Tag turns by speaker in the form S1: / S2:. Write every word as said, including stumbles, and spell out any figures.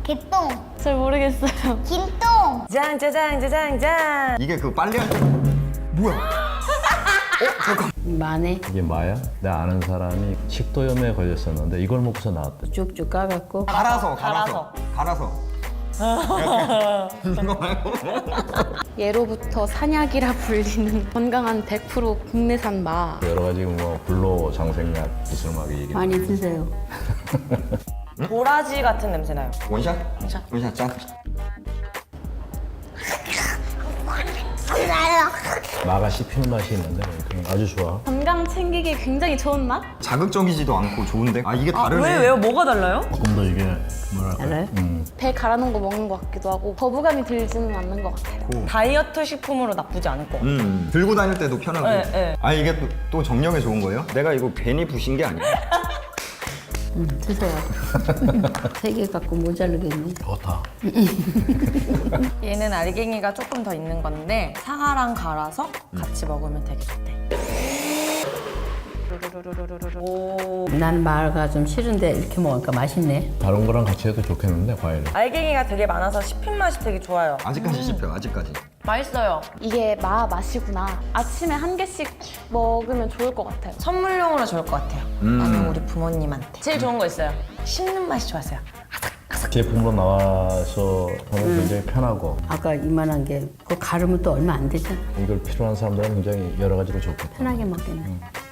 S1: 개똥.
S2: 잘 모르겠어요.
S1: 김똥.
S3: 짠, 짜잔, 짜잔, 짠.
S4: 이게 그 빨리 할 때 뭐야? 어? 잠깐.
S5: 마네.
S6: 이게 마야? 내가 아는 사람이 식도염에 걸렸었는데 이걸 먹고서 나왔대.
S5: 쭉쭉 까갖고
S4: 갈아서 갈아서 갈아서. 이거 말고.
S2: 예로부터 산약이라 불리는 건강한 백 퍼센트 국내산 마.
S6: 여러 가지 뭐 불로 장생약 기술 막 얘기.
S5: 많이 드세요.
S3: 도라지 같은 냄새 나요.
S4: 원샷? 원샷. 원샷 짠.
S6: 마가 씹히는 맛이 있는데 그냥 아주 좋아.
S2: 건강 챙기기 굉장히 좋은 맛?
S4: 자극적이지도 않고 좋은데? 아 이게 다르네.
S3: 왜, 왜요? 뭐가 달라요?
S6: 조금 더 이게 뭐랄까.
S5: 알아요?
S6: 음.
S2: 배 갈아놓은 거 먹는 것 같기도 하고 거부감이 들지는 않는 것 같아요.
S3: 다이어트 식품으로 나쁘지 않을 것 같아요.
S4: 음 들고 다닐 때도 편하고.
S3: 네, 네.
S4: 아 이게 또, 또 정력에 좋은 거예요? 내가 이거 괜히 부신 게 아니야.
S5: 응, 드세요. 세 개 갖고 모자르겠네.
S6: 좋다.
S3: 얘는 알갱이가 조금 더 있는 건데 사과랑 갈아서 같이 먹으면 되게 좋대. 오.
S5: 난 마가 좀 싫은데 이렇게 먹으니까 맛있네.
S6: 다른 거랑 같이 해도 좋겠는데 과일을.
S3: 알갱이가 되게 많아서 씹힌 맛이 되게 좋아요.
S4: 아직까지 씹혀 아직까지.
S3: 맛있어요.
S2: 이게 마 맛이구나. 아침에 한 개씩 먹으면 좋을 것 같아요.
S3: 선물용으로 좋을 것 같아요.
S4: 음.
S3: 아니면 우리 부모님한테. 제일 좋은 거 있어요. 씹는 맛이 좋았어요.
S6: 제품으로 나와서 하면 굉장히 편하고
S5: 아까 이만한 게 그거 가르면 또 얼마 안 되잖아.
S6: 이걸 필요한 사람들은 굉장히 여러 가지로 좋겠다.
S5: 편하게 먹겠네.